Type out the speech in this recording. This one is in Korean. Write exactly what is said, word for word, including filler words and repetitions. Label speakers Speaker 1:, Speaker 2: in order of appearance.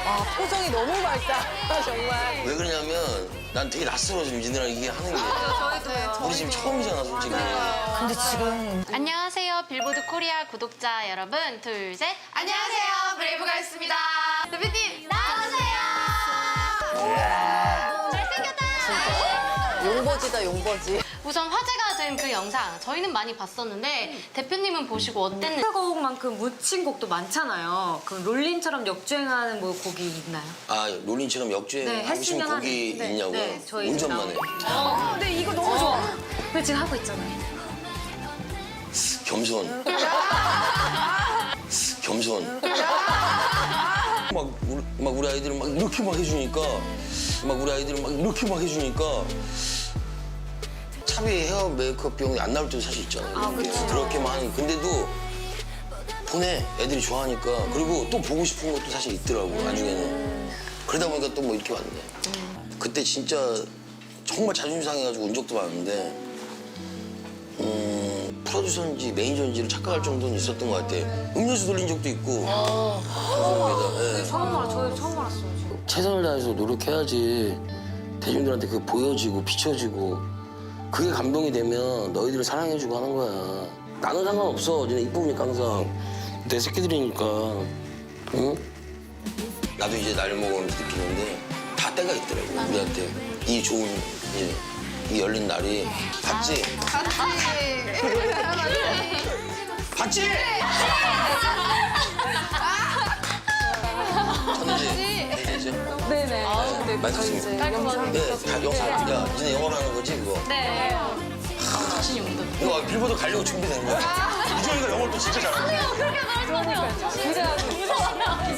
Speaker 1: 아, 표정이 너무 밝다, 정말.
Speaker 2: 왜 그러냐면 난 되게 낯설어 지금 니네랑 이게 하는 게.
Speaker 1: 저희도요.
Speaker 2: 우리 지금 처음이잖아 솔직히.
Speaker 1: 근데 지금
Speaker 3: 안녕하세요, 빌보드 코리아 구독자 여러분. 둘, 셋. 안녕하세요, 브레이브가였습니다. 대표님, 나와주세요. 잘생겼다.
Speaker 1: 용버지다, 용버지.
Speaker 3: 우선 화제가 된 그 영상 저희는 많이 봤었는데 대표님은 보시고 어땠는지.
Speaker 4: 히트곡만큼 묻힌 곡도 많잖아요. 그 롤린처럼 역주행하는 뭐 곡이 있나요?
Speaker 2: 아 롤린처럼 역주행
Speaker 4: 네,
Speaker 2: 하고 싶은
Speaker 4: 했으면
Speaker 2: 곡이
Speaker 4: 하는- 네,
Speaker 2: 있냐고요?
Speaker 4: 네, 저희
Speaker 2: 운전만 해.
Speaker 4: 어, 근데 이거 너무 좋아. 근데 지금 하고 있잖아요.
Speaker 2: 겸손. 겸손. 막 우리, 막 우리 아이들은 막 이렇게 막 해주니까 막 우리 아이들은 막 이렇게 막 해주니까 차비 헤어 메이크업 비용이 안 나올 때도 사실 있잖아요.
Speaker 4: 아,
Speaker 2: 이렇게.
Speaker 4: 그쵸.
Speaker 2: 그렇게만 하는 근데도 보내 애들이 좋아하니까 그리고 또 보고 싶은 것도 사실 있더라고 나중에는 그러다 보니까 또 뭐 이렇게 왔네. 그때 진짜 정말 자존심 상해가지고 운 적도 많은데 음, 프로듀서인지 매니저인지를 착각할 정도는 있었던 것 같아. 음료수 돌린 적도 있고. 방송국에다. 예.
Speaker 4: 처음 알아, 저 처음 알았어요. 지금.
Speaker 2: 최선을 다해서 노력해야지 대중들한테 그게 보여지고 비춰지고 그게 감동이 되면 너희들을 사랑해주고 하는 거야. 나는 상관없어. 니네 이쁘니까 항상. 내 새끼들이니까. 응? 나도 이제 나이 먹으면서 느끼는데 다 때가 있더라고 우리한테. 이 좋은 이제 이 열린 날이 봤지? 봤지? 천재. 천재죠?
Speaker 4: 네네. 아, 네.
Speaker 2: 맞습니다.
Speaker 3: 깔끔하게.
Speaker 2: 네, 다 영상. 야, 니네 영어로 하는 거지 그거?
Speaker 3: 네. 자신이 없다.
Speaker 2: 이거 빌보드 가려고 준비된 거야? 이종이가 영어를 또 진짜 잘하네.
Speaker 3: 그렇게 말하면